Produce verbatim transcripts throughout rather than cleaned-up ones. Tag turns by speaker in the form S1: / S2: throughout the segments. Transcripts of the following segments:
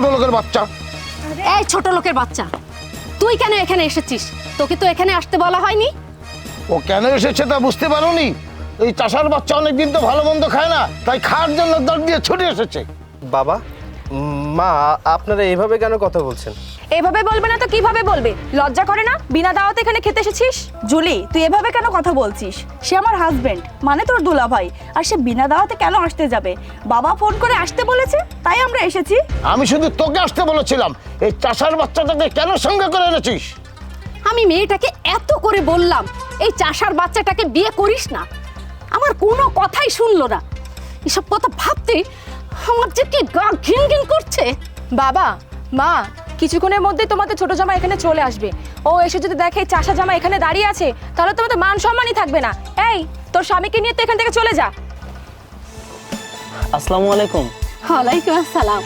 S1: লোকের বাচ্চা।
S2: এই ছোট লোকের বাচ্চা, তুই কেন এখানে এসেছিস? তোকে তো এখানে আসতে বলা হয়নি।
S1: ও কেন এসেছে তা বুঝতে পারোনি? এই চাষার বাচ্চা অনেকদিন তো ভালো মন্দ খায় না, তাই খাওয়ার জন্য দর দিয়ে ছুটে এসেছে।
S3: বাবা, মা, আপনারা এইভাবে কেন কথা বলছেন?
S4: এভাবে বলবে না তো কিভাবে বলবে? লজ্জা করে না? বিনা দাওয়াতে এখানে খেতে এসেছিস? জুলি, তুই এভাবে কেন কথা বলছিস? সে আমার হাজবেন্ড, মানে তোর দুলাভাই, আর সে বিনা দাওয়াতে কেন আসতে যাবে? বাবা ফোন করে আসতে বলেছে, তাই আমরা এসেছি।
S1: আমি শুধু তোকে আসতে বলেছিলাম, এই চাষার বাচ্চাটাকে কেন সঙ্গে করে এনেছিস?
S2: আমি মেয়েটাকে এত করে বললাম এই চাষার বাচ্চাটাকে বিয়ে করিস না, আমার কোনো কথাই শুনলো না। এসব কথা ভাবতে আমার যে কি গা ঘিন ঘিন করছে।
S5: বাবা, মা, কিছুক্ষণের মধ্যে তোমাদের ছোট জামা এখানে চলে আসবে। ও এসে যদি দেখে চাষা জামা এখানে দাঁড়িয়ে আছে, তাহলে তোমাদের মান সম্মানই থাকবে না। এই, তোর স্বামীকে নিয়ে তো এখান থেকে চলে যা।
S6: আসসালামু আলাইকুম।
S2: ওয়ালাইকুম আসসালাম।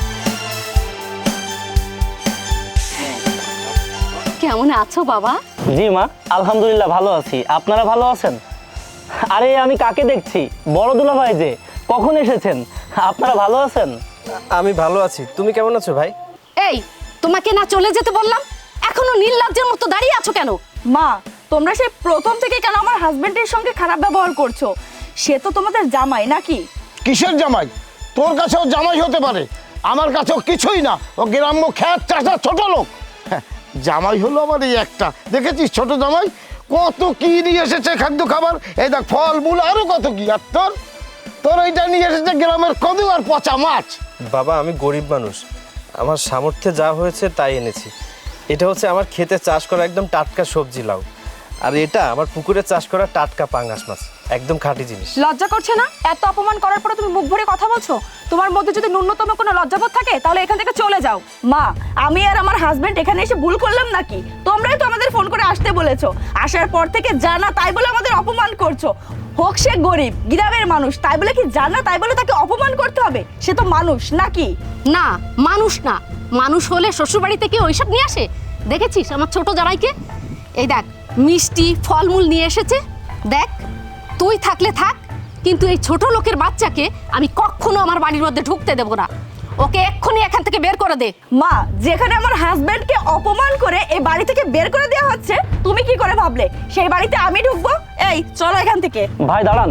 S2: কেমন আছো বাবা?
S6: জি মা, আলহামদুলিল্লাহ ভালো আছি। আপনারা ভালো আছেন? আরে আমি কাকে দেখছি? বড় দুলাভাই যে, কখন এসেছেন? আপনারা ভালো আছেন?
S3: আমি ভালো আছি। তুমি কেমন আছো ভাই?
S2: এই, তোমাকে না চলে যেতে বললাম, এখনো নির্লজ্জের মতো দাঁড়িয়ে আছো কেন?
S4: মা, তোমরা সেই প্রথম থেকে কেন আমার হাজবেন্ডের সঙ্গে খারাপ ব্যবহার করছো? সে তো তোমাদের জামাই নাকি?
S1: কিসের জামাই? তোর কাছেও জামাই হতে পারে, আমার কাছেও কিছুই না। ও গ্রাম্য খ্যাত চাষা ছোট লোক। হ্যাঁ, জামাই হলো আমার এই একটা, দেখেছিস ছোট জামাই কত কি নিয়ে এসেছে খাদ্য খাবার, এই দেখ ফল মূল আরো কত কি। আর তোর তোর এইটা নিয়ে এসেছে গ্রামের কদু আর পচা মাছ।
S3: বাবা, আমি গরিব মানুষ, আমার সামর্থ্যে যা হয়েছে তাই এনেছি। এটা হচ্ছে আমার ক্ষেতে চাষ করা একদম টাটকা সবজি লাউ, আর এটা আমার পুকুরে চাষ করা টাটকা পাঙ্গাস মাছ, একদম খাঁটি জিনিস।
S5: লজ্জা করছে না? এত অপমান করার পরে তুমি মুখ ভরে কথা বলছো? তোমার মধ্যে যদি ন্যূনতম কোনো লজ্জাবোধ থাকে, তাহলে এখান থেকে চলে যাও।
S4: মা, আমি আর আমার হাজবেন্ড এখানে এসে ভুল করলাম নাকি? তোমরাই তো আমাদের ফোন করে আসতে বলেছো, আসার পর থেকে জানা তাই বলে আমাদের অপমান করছো। হোক সে গরিব গ্রামের মানুষ, তাই বলে কি জানা তাই বলে তাকে অপমান করতে হবে? সে তো মানুষ নাকি?
S2: না, মানুষ না। মানুষ হলে শ্বশুরবাড়ি থেকে ওইসব নিয়ে আসে? দেখেছিস আমার ছোট জামাইকে? এই দেখ, মিষ্টি ফলমূল নিয়ে এসেছে। দেখ, তুই থাকলে থাক, কিন্তু এই ছোট লোকের বাচ্চাকে আমি কখনো আমার বাড়ির মধ্যে ঢুকতে দেবো না। ওকে এক্ষুনি এখান থেকে বের করে দে।
S4: মা, যেখানে আমার হাজবেন্ডকে অপমান করে এই বাড়ি থেকে বের করে দেওয়া হচ্ছে, তুমি কি করে ভাবলে সেই বাড়িতে আমি ঢুকবো? এই চলো এখান থেকে।
S6: ভাই দাঁড়ান।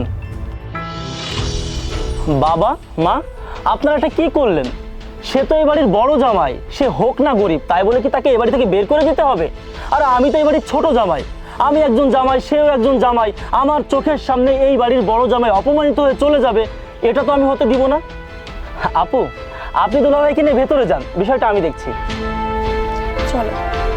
S6: বাবা, মা, আপনারা এটা কি করলেন? সে তো এই বাড়ির বড় জামাই, সে হোক না গরিব, তাই বলে কি তাকে এই বাড়ি থেকে বের করে দিতে হবে? আর আমি তো এই বাড়ির ছোট জামাই, আমি একজন জামাই, সেও একজন জামাই। আমার চোখের সামনে এই বাড়ির বড় জামাই অপমানিত হয়ে চলে যাবে, এটা তো আমি হতে দিব না। আপু, আপনি দুলাভাইকে নিয়ে ভেতরে যান, বিষয়টা আমি দেখছি।
S4: চলো।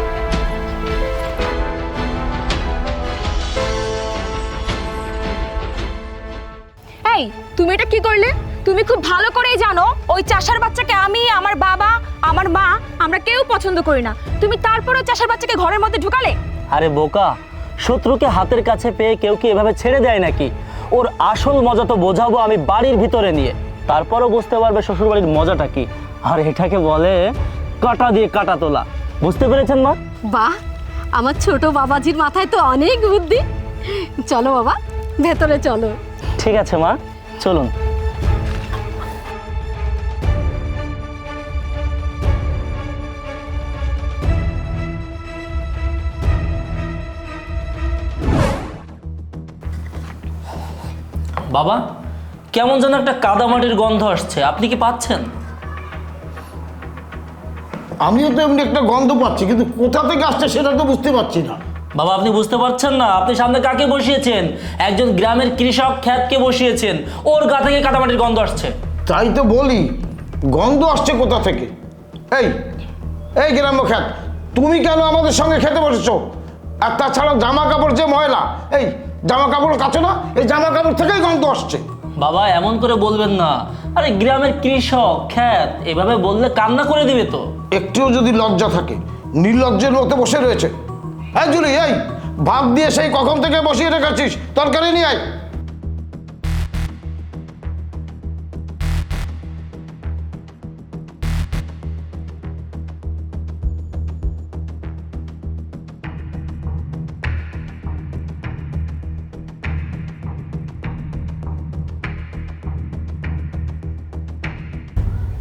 S5: এই, তুমি এটা কি করলে? তুমি খুব ভালো করেই জানো ওই চাষার বাচ্চাকে আমি, আমার বাবা, আমার মা, আমরা কেউ পছন্দ করি না। তুমি তারপরেও চাষার বাচ্চাকে ঘরের মধ্যে ঢুকালে।
S6: আরে বোকা, শত্রুকে হাতের কাছে পেয়ে কেউ কি এভাবে ছেড়ে দেয় নাকি? ওর আসল মজা তো বোঝাবো আমি বাড়ির ভিতরে নিয়ে, তারপরও বুঝতে পারবে শ্বশুরবাড়ির মজাটা কি। আর এটাকে বলে কাটা দিয়ে কাটা তোলা। বুঝতে পেরেছেন মা?
S2: বাহ, আমার ছোট বাবাজির মাথায় তো অনেক বুদ্ধি। চলো বাবা, ভেতরে চলো।
S6: ঠিক আছে মা, চলুন।
S7: বাবা, কেমন যেন একটা কাদামাটির গন্ধ আসছে, আপনি কি পাচ্ছেন?
S1: আমিও তো এমনি একটা গন্ধ পাচ্ছি, কিন্তু কোথা থেকে আসছে সেটা তো বুঝতে পারছি না।
S7: বাবা, আপনি বুঝতে পারছেন না? আপনি সামনে কাকে বসিয়েছেন? একজন গ্রামের কৃষক খ্যাতকে বসিয়েছেন, ওর গা থেকে কাদামাটির গন্ধ আসছে।
S1: তাই তো বলি, গন্ধ আসছে কোথা থেকে? এই এই গ্রাম্য খ্যাত, তুমি কেন আমাদের সঙ্গে খেতে বসেছো? আর তাছাড়া জামা কাপড় যে ময়লা, এই জামা কাপড় কাচো না? এই জামা কাপড় থেকেই গন্ধ আসছে।
S7: বাবা, এমন করে বলবেন না। আরে গ্রামের কৃষক খ্যাত, এভাবে বললে কান্না করে দিবে তো।
S1: একটুও যদি লজ্জা থাকে, নির্লজ্জের মতো বসে রয়েছে। হ্যাঁ জুলি, এই ভাত দিয়ে সেই কখন থেকে বসিয়ে রেখেছিস, তরকারি নিয়ে আয়।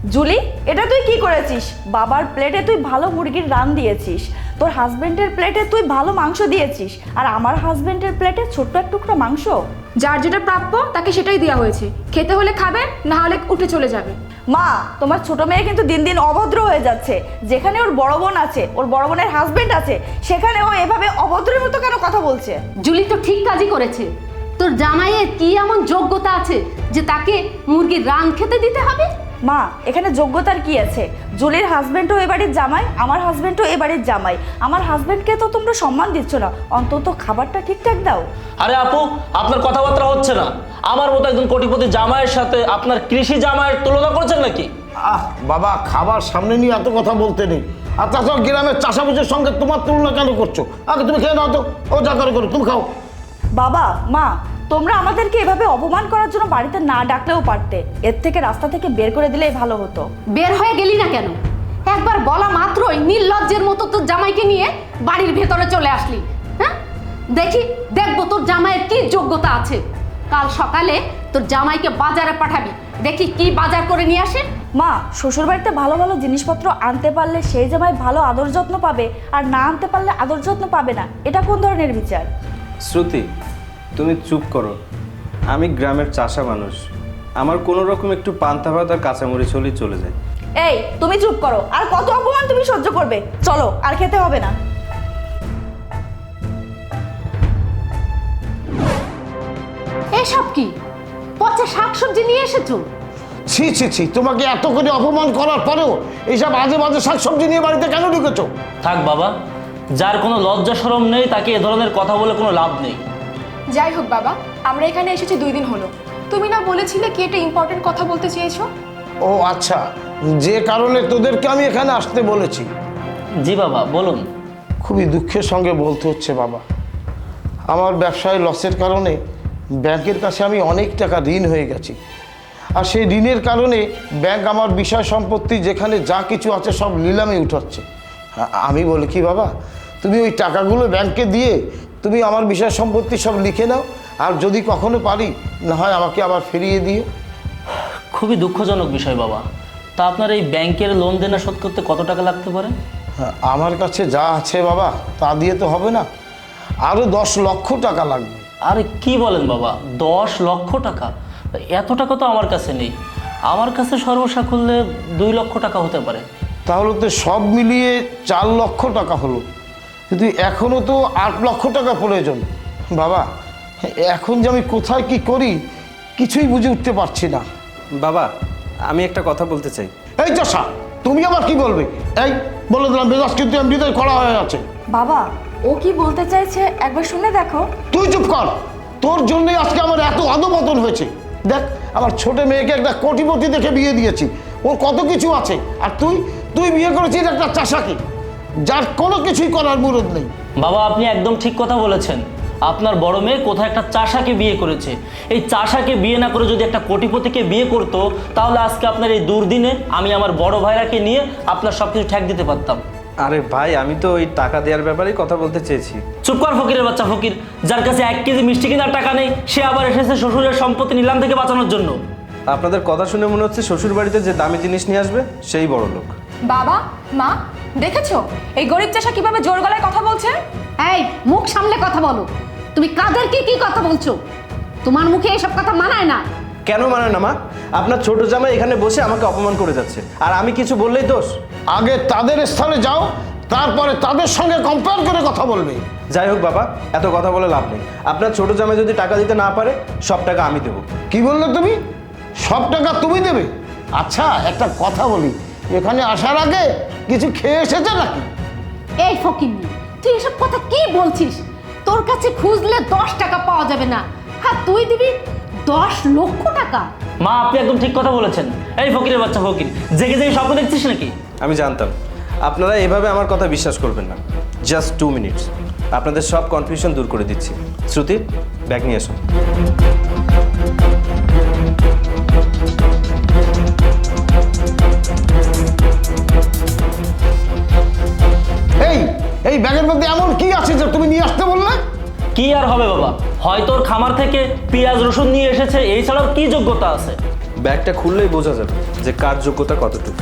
S4: জুলি, এটা তুই কি করেছিস? বাবার প্লেটে তুই ভালো মুরগির রান দিয়েছিস, তোর হাজবেন্ডের প্লেটে তুই ভালো মাংস দিয়েছিস, আর আমার হাজবেন্ডের প্লেটে ছোট্ট এক টুকরা মাংস।
S5: যার যেটা প্রাপ্য তাকে সেটাই দেওয়া হয়েছে, খেতে হলে খাবে, না হলে উঠে চলে যাবে।
S4: মা, তোমার ছোট মেয়ে কিন্তু দিন দিন অভদ্র হয়ে যাচ্ছে। যেখানে ওর বড় বোন আছে, ওর বড় বোনের হাজবেন্ড আছে, সেখানে ও এভাবে অভদ্রের মতো কেন কথা বলছে?
S2: জুলি তো ঠিক কাজই করেছে। তোর জামাইয়ের কি এমন যোগ্যতা আছে যে তাকে মুরগির রান খেতে দিতে হবে?
S4: মা, এখানে যোগ্যতার কি আছে? জুলির হাজবেন্ডও এ বাড়ির জামাই, আমার হাজবেন্ডও এ বাড়ির জামাই। আমার হাজবেন্ডকে তো তোমরা সম্মান দিচ্ছ না, অন্তত খাবারটা ঠিকঠাক দাও।
S7: আরে আপু, আপনার কথাবার্তা হচ্ছে না। আমার মতো একজন কোটিপতি জামাইয়ের সাথে আপনার কৃষি জামাইয়ের তুলনা করছেন নাকি?
S1: আহ বাবা, খাবার সামনে নিয়ে এত কথা বলতে নেই। আর তাছাড়া গ্রামের চাষাবুজের সঙ্গে তোমার তুলনা কেন করছো? আগে তুমি খেয়ে নাও তো, ও যা করে করো, তুমি খাও।
S4: বাবা, মা, তোমরা আমাদেরকে এভাবে অপমান করার জন্য বাড়িতে না ডাকলেও পারতে। এর থেকে রাস্তা থেকে বের করে দিলেই ভালো হতো।
S2: বের হয়ে গেলি না কেন? একবার বলা মাত্রই নির্লজ্জের মতো তোর জামাইকে নিয়ে বাড়ির ভেতরে চলে আসলি। হ্যাঁ, দেখি দেখবো তোর জামাইয়ের কি যোগ্যতা আছে। কাল সকালে তোর জামাইকে বাজারে পাঠাবি, দেখি কি বাজার করে নিয়ে আসে।
S4: মা, শ্বশুরবাড়িতে ভালো ভালো জিনিসপত্র আনতে পারলে সেই জামাই ভালো আদর যত্ন পাবে, আর না আনতে পারলে আদর যত্ন পাবে না। এটা কোন ধরনের বিচার?
S3: শ্রুতি, তুমি চুপ করো। আমি গ্রামের চাষা মানুষ, আমার কোনো রকম একটু পান্তা ভাত আর কাঁচামরিচ হলেই চলে যায়।
S4: এই, তুমি চুপ করো। আর কত অপমান তুমি সহ্য করবে? চলো, আর খেতে হবে না।
S2: এসব কি পচা শাকসবজি নিয়ে এসেছো?
S1: ছি ছি ছি, তোমাকে এত করে অপমান করার পরেও এইসব আজে বাজে শাকসবজি নিয়ে বাড়িতে কেন ঢুকেছো?
S7: থাক বাবা, যার কোনো লজ্জা শরম নেই তাকে এ ধরনের কথা বলে কোনো লাভ নেই।
S5: যাই হোক বাবা, আমরা এখানে এসেছি দুই দিন হলো। তুমি না বলেছিলে কি একটা ইম্পর্টেন্ট কথা বলতে চেয়েছো?
S1: ও আচ্ছা, যে কারণে তোদেরকে আমি এখানে আসতে বলেছি।
S7: জি বাবা, বলুন।
S1: খুবই দুঃখের সঙ্গে বলতে হচ্ছে বাবা, আমার ব্যবসায় লসের কারণে ব্যাংকের কাছে আমি অনেক টাকা ঋণ হয়ে গেছি। আর সেই ঋণের কারণে ব্যাংক আমার বিষয় সম্পত্তি যেখানে যা কিছু আছে সব নিলামে উঠাচ্ছে। আ- আমি বলি কি বাবা, তুমি ওই টাকাগুলো ব্যাংকে দিয়ে তুমি আমার বিষয় সম্পত্তি সব লিখে নাও, আর যদি কখনো পারি না হয় আমাকে আবার ফিরিয়ে দিও।
S7: খুবই দুঃখজনক বিষয় বাবা। তা আপনার এই ব্যাংকের লোন দেনা শোধ করতে কত টাকা লাগতে পারে?
S1: হ্যাঁ, আমার কাছে যা আছে বাবা তা দিয়ে তো হবে না, আরও দশ লক্ষ টাকা লাগবে।
S7: আরে কি বলেন বাবা, দশ লক্ষ টাকা? এত টাকা তো আমার কাছে নেই। আমার কাছে সর্বসা খুললে দুই লক্ষ টাকা হতে পারে।
S1: তাহলে তো সব মিলিয়ে চার লক্ষ টাকা হলো, কিন্তু এখনও তো আট লক্ষ টাকা প্রয়োজন। বাবা, এখন যে আমি কোথায় কি করি কিছুই বুঝে উঠতে পারছি না।
S3: বাবা, আমি একটা কথা বলতে চাই।
S1: এই চাষা, তুমি আবার কি বলবে? এই বলে দিলাম, মেজাজ কিন্তু এমনিতেই করা হয়ে আছে।
S4: বাবা, ও কি বলতে চাইছে একবার শুনে দেখো।
S1: তুই চুপ কর, তোর জন্যই আজকে আমার এত অধপতন হয়েছে। দেখ, আমার ছোট মেয়েকে একটা কোটিপতি দেখে বিয়ে দিয়েছি, ওর কত কিছু আছে, আর তুই তুই বিয়ে করেছিস একটা চাষাকে, যার কোনো কিছুই করার মুরদ নেই।
S7: বাবা, আপনি একদম ঠিক কথা বলেছেন। আপনার বড় মেয়ে কোথায় একটা চাষাকে বিয়ে করেছে। এই চাষাকে বিয়ে না করে যদি একটা কোটিপতিকে বিয়ে করতো, তাহলে আজকে আপনার এই দুর্দিনে আমি আমার বড় ভাইরাকে নিয়ে আপনার সব কিছু ঠেক দিতে পারতাম।
S3: আরে ভাই, আমি তো ওই টাকা দেওয়ার ব্যাপারেই কথা বলতে চেয়েছি।
S7: চুপ কর ফকিরের বাচ্চা ফকির, যার কাছে এক কেজি মিষ্টি কেনার টাকা নেই, সে আবার এসেছে শ্বশুরের সম্পত্তি নিলাম থেকে বাঁচানোর জন্য।
S3: আপনাদের কথা শুনে মনে হচ্ছে শ্বশুর বাড়িতে যে দামি জিনিস নিয়ে আসবে সেই বড় লোক।
S5: বাবা, মা, দেখেছো এই গরিব চাষা কিভাবে জোর গলায় কথা বলছে?
S2: এই, মুখ সামলে কথা বলো। তুমি কাদেরকে কি কথা বলছো? তোমার মুখে এসব কথা মানায় না।
S3: কেন মানে না মা? আপনার ছোট জামাই এখানে বসে আমাকে অপমান করে যাচ্ছে, আর আমি কিছু বললেই দোষ?
S1: আগে তাদের স্থানে যাও, তারপরে তাদের সঙ্গে কম্পেয়ার করে কথা বলবে।
S3: যাই হোক বাবা, এত কথা বলে লাভ নেই। আপনার ছোট জামাই যদি টাকা দিতে না পারে, সব টাকা আমি দেবো।
S1: কি বললে তুমি? সব টাকা তুমি দেবে? আচ্ছা, একটা কথা বলি, এখানে আসার আগে কিছু খেয়ে এসেছে নাকি?
S2: এই ফকিন্নি, তুই এসব কথা কি বলছিস? তোর কাছে খুঁজলে দশ টাকা পাওয়া যাবে না, হ্যাঁ তুই দিবি দশ লক্ষ টাকা?
S7: মা, আপনি একদম ঠিক কথা বলেছেন। এই ফকিরের বাচ্চা ফকির, জেগে জেগে স্বপ্ন দেখছিস নাকি?
S3: আমি জানতাম আপনারা এভাবে আমার কথা বিশ্বাস করবেন না। জাস্ট টু মিনিটস, আপনাদের সব কনফিউশন দূর করে দিচ্ছি। শ্রুতি, ব্যাগ নিয়ে এসো।
S1: এই এই ব্যাগের মধ্যে এমন কি আছে যে তুমি নিয়ে আসতে বললে?
S7: কি আর হবে বাবা, হয়তো ওর খামার থেকে পেঁয়াজ রসুন নিয়ে এসেছে, এই ছাড়াও কি যোগ্যতা আছে?
S3: ব্যাগটা খুললেই বোঝা যাবে যে কার যোগ্যতা কতটুকু।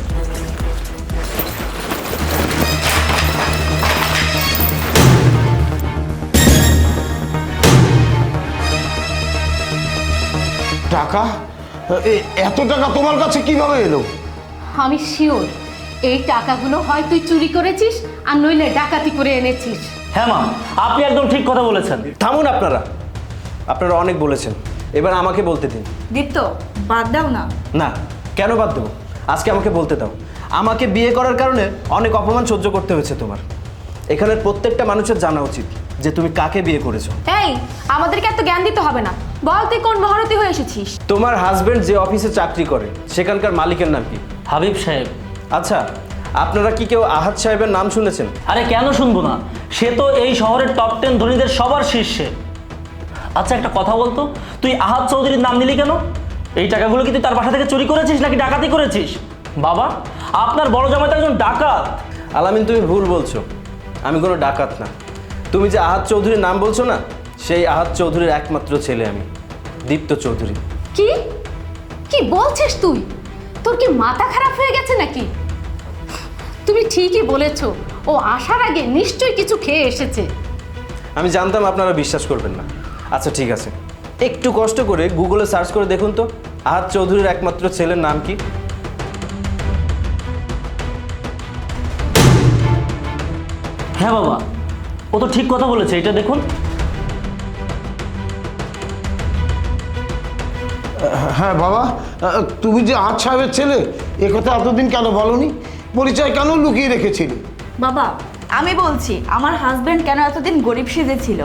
S1: টাকা? এ- এত টাকা তোমার কাছে কিভাবে এলো?
S2: আমি শিওর এই টাকাগুলো হয় তুই চুরি করেছিস আর নইলে ডাকাতি করে এনেছিস।
S7: হ্যাঁ মা, আপনি একদম ঠিক কথা বলেছেন।
S3: থামুন আপনারা, আপনারা অনেক বলেছেন, এবার আমাকে বলতে দিন।
S4: দীপ্ত বাদ দাও না।
S3: না, কেন বাদ দেবো? আজকে আমাকে বলতে দাও। আমাকে বিয়ে করার কারণে অনেক অপমান সহ্য করতে হয়েছে তোমার। এখানের প্রত্যেকটা মানুষের জানা উচিত যে তুমি কাকে বিয়ে করেছো।
S5: এই আমাদেরকে এত জ্ঞান দিতে হবে না, বল তুই কোন মহারতী হয়ে এসেছিস?
S3: তোমার হাজবেন্ড যে অফিসে চাকরি করে সেখানকার মালিকের নাম কি?
S7: হাবিব সাহেব।
S3: আচ্ছা, আপনারা কি কেউ আহাদ সাহেবের নাম শুনেছেন?
S7: আরে কেন শুনবো না, সে তো এই শহরের টপ টেন ধনীদের সবার শীর্ষে। আচ্ছা একটা কথা বলতো, তুই আহাদ চৌধুরীর নাম নিলি কেন? এই টাকাগুলো কি তুই তার বাসা থেকে চুরি করেছিস নাকি ডাকাতি করেছিস? বাবা, আপনার বড় জামাই তো একজন ডাকাত।
S3: আলামিন, তুমি ভুল বলছো, আমি কোনো ডাকাত না। তুমি যে আহাদ চৌধুরীর নাম বলছো না, সেই আহাদ চৌধুরীর একমাত্র ছেলে আমি, দীপ্ত চৌধুরী।
S2: কি কি বলছিস তুই? তোর কি মাথা খারাপ হয়ে গেছে নাকি? তুমি ঠিকই বলেছো, ও আসার আগে নিশ্চয়ই কিছু খেয়ে এসেছে।
S3: আমি জানতাম আপনারা বিশ্বাস করবেন না। আচ্ছা ঠিক আছে, একটু কষ্ট করে গুগলে সার্চ করে দেখুন তো আহাদ চৌধুরীর একমাত্র ছেলের নাম কি।
S7: হ্যাঁ বাবা, ও তো ঠিক কথা বলেছে, এটা দেখুন।
S1: হ্যাঁ বাবা, তুমি যে আজ সাহেবের ছেলে এ কথা এতদিন কেন বলনি? পরিচয় কেন লুকিয়ে রেখেছিলে?
S4: বাবা আমি বলছি, আমার হাজবেন্ড কেন এতদিন গরিব সেজেছিল।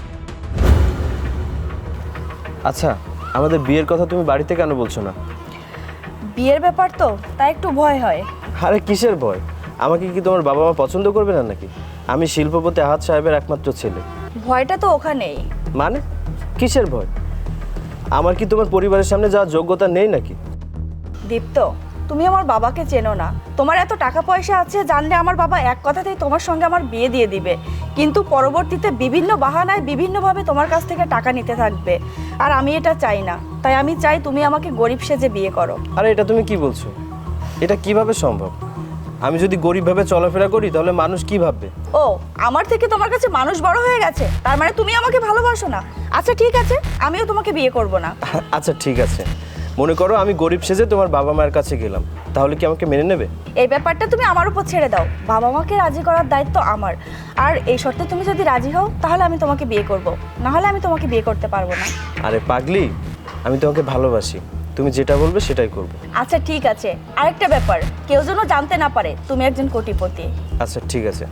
S3: আচ্ছা, আমাদের বিয়ের কথা তুমি বাড়িতে কেন বলছো না?
S4: বিয়ের ব্যাপার তো, তাই একটু ভয় হয়।
S3: আরে কিসের ভয়? আমাকে কি তোমার বাবা মা পছন্দ করবে না নাকি? আমি শিল্পপতি আহাদ সাহেবের একমাত্র ছেলে।
S4: ভয়টা তো ওখানেই।
S3: মানে কিসের ভয়? আমার কি তোমার পরিবারের সামনে যাওয়ার যোগ্যতা নেই নাকি?
S4: দীপ্ত, তুমি আমার বাবাকে চেনো না। তোমার এত টাকা পয়সা আছে জানলে আমার বাবা এক কথাতেই তোমার সঙ্গে আমার বিয়ে দিয়ে দিবে, কিন্তু পরবর্তীতে বিভিন্ন বাহানায় বিভিন্নভাবে তোমার কাছ থেকে টাকা নিতে থাকবে, আর আমি এটা চাই না। তাই আমি চাই তুমি আমাকে গরিব সেজে বিয়ে করো।
S3: আরে এটা তুমি কি বলছো? এটা কিভাবে সম্ভব? আমি যদি গরিবভাবে চলাফেরা করি তাহলে মানুষ কি ভাববে?
S4: ও, আমার থেকে তোমার কাছে মানুষ বড় হয়ে গেছে, তার মানে তুমি আমাকে ভালোবাসো না। আচ্ছা ঠিক আছে, আমিও তোমাকে বিয়ে করব না।
S3: আচ্ছা ঠিক আছে, মনে করো আমি গরিব সেজে তোমার বাবা মায়ের কাছে গেলাম, তাহলে কি আমাকে মেনে নেবে?
S4: এই ব্যাপারটা তুমি আমার উপর ছেড়ে দাও, বাবা মাকে রাজি করার দায়িত্ব আমার। আর এই শর্তে তুমি যদি রাজি হও তাহলে আমি তোমাকে বিয়ে করব, না হলে আমি তোমাকে বিয়ে করতে পারবো না।
S3: আরে পাগলি, আমি তোমাকে ভালোবাসি, তুমি যেটা বলবে সেটাই করব।
S4: আচ্ছা ঠিক আছে, আরেকটা ব্যাপার, কেউ যেন জানতে না পারে তুমি একজন কোটিপতি।
S3: আচ্ছা ঠিক আছে।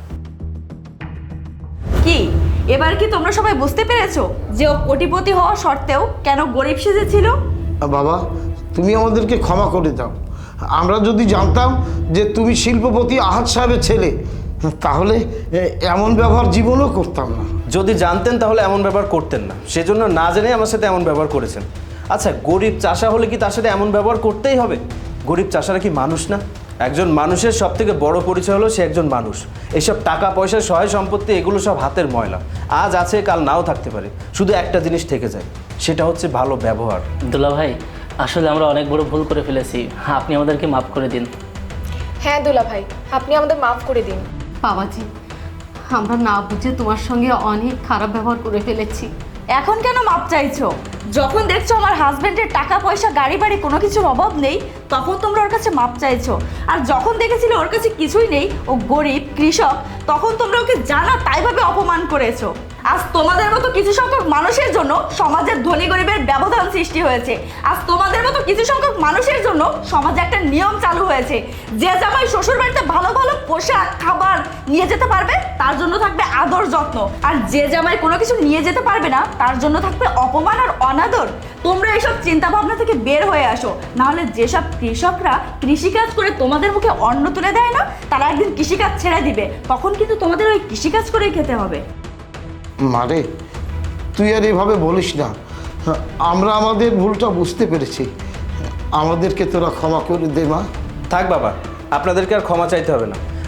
S4: কি এবার কি তোমরা সবাই বুঝতে পেরেছো যে ও কোটিপতি হওয়া সত্ত্বেও কেন গরিব সেজেছিল?
S1: বাবা, তুমি আমাদেরকে ক্ষমা করে দাও। আমরা যদি জানতাম যে তুমি শিল্পপতি আহাদ সাহেবের ছেলে, তাহলে এ, এমন ব্যবহার জীবনও করতাম না।
S3: যদি জানতেন তাহলে এমন ব্যবহার করতেন না, সেজন্য না জেনে আমার সাথে এমন ব্যবহার করেছেন। আচ্ছা, গরিব চাষা হলে কি তার সাথে এমন ব্যবহার করতেই হবে? গরিব চাষারা কি মানুষ না? একজন মানুষের সব থেকে বড় পরিচয় হলো সে একজন মানুষ। এইসব টাকা পয়সা, সহায় সম্পত্তি, এগুলো সব হাতের ময়লা, আজ আছে কাল নাও থাকতে পারে। শুধু একটা জিনিস থেকে যায়, সেটা হচ্ছে ভালো ব্যবহার।
S7: দুলা ভাই, আসলে আমরা অনেক বড় ভুল করে ফেলেছি, আপনি আমাদেরকে মাফ করে দিন।
S5: হ্যাঁ দুলা ভাই, আপনি আমাদের মাফ করে দিন।
S2: বাবাজি, আমরা না বুঝে তোমার সঙ্গে অনেক খারাপ ব্যবহার করে ফেলেছি।
S4: এখন কেন মাপ চাইছো? যখন দেখছো আমার হাজবেন্ডের টাকা পয়সা গাড়ি বাড়ি কোনো কিছুর অভাব নেই, তখন তোমরা ওর কাছে মাপ চাইছো। আর যখন দেখেছিলে ওর কাছে কিছুই নেই, ও গরিব কৃষক, তখন তোমরা ওকে জানা তাইভাবে অপমান করেছো। আজ তোমাদের মতো কিছু সংখ্যক মানুষের জন্য সমাজের ধনী গরিবের ব্যবধান সৃষ্টি হয়েছে। আজ তোমাদের মতো কিছু সংখ্যক মানুষের জন্য সমাজে একটা নিয়ম চালু হয়েছে, যে জামাই শ্বশুর বাড়িতে ভালো ভালো পোশাক খাবার নিয়ে যেতে পারবে তার জন্য থাকবে আদর যত্ন, আর যে জামাই কোনো কিছু নিয়ে যেতে পারবে না তার জন্য থাকবে অপমান আর অনাদর। তোমরা এইসব চিন্তা ভাবনা থেকে বের হয়ে আসো, নাহলে যেসব কৃষকরা কৃষিকাজ করে তোমাদের মুখে অন্ন তুলে দেয় না, তারা একদিন কৃষিকাজ ছেড়ে দিবে, তখন কিন্তু তোমাদের ওই কৃষিকাজ করেই খেতে হবে।
S1: মারে, তুই আর এভাবে বলিস না। আমরা আমাদের ভুলটা বুঝতে পেরেছি, আমাদেরকে তোরা ক্ষমা করে দে মা।
S3: থাক বাবা, আপনাদেরকে আর ক্ষমা চাইতে হবে না।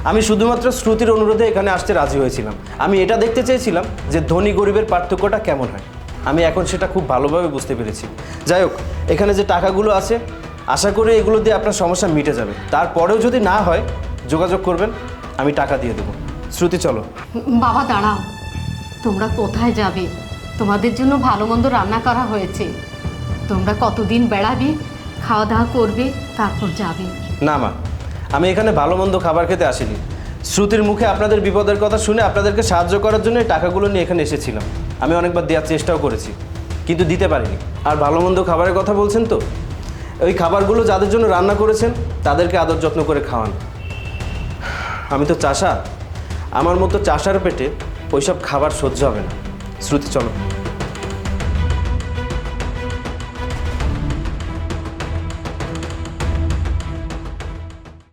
S3: আমি শুধুমাত্র শ্রুতির অনুরোধে এখানে আসতে রাজি হয়েছিলাম। আমি এটা দেখতে চেয়েছিলাম যে ধনী গরিবের পার্থক্যটা কেমন হয়। আমি এখন সেটা খুব ভালোভাবে বুঝতে পেরেছি। যাই হোক, এখানে যে টাকাগুলো আছে আশা করি এগুলো দিয়ে আপনার সমস্যা মিটে যাবে। তারপরেও যদি না হয় যোগাযোগ করবেন, আমি টাকা দিয়ে দেবো। শ্রুতি চলো।
S2: বাবা দাঁড়াও, তোমরা কোথায় যাবে? তোমাদের জন্য ভালো মন্দ রান্না করা হয়েছে, তোমরা কতদিন বেড়াবে, খাওয়া দাওয়া করবে, তারপর যাবে।
S3: না মা, আমি এখানে ভালো মন্দ খাবার খেতে আসিনি। শ্রুতির মুখে আপনাদের বিপদের কথা শুনে আপনাদেরকে সাহায্য করার জন্য এই টাকাগুলো নিয়ে এখানে এসেছিলাম। আমি অনেকবার দেওয়ার চেষ্টাও করেছি, কিন্তু দিতে পারিনি। আর ভালো মন্দ খাবারের কথা বলছেন তো, ওই খাবারগুলো যাদের জন্য রান্না করেছেন তাদেরকে আদর যত্ন করে খাওয়ান। আমি তো চাষা, আমার মতো চাষার পেটে ওইসব খাবার সহ্য হবে না। শ্রুতি চলো।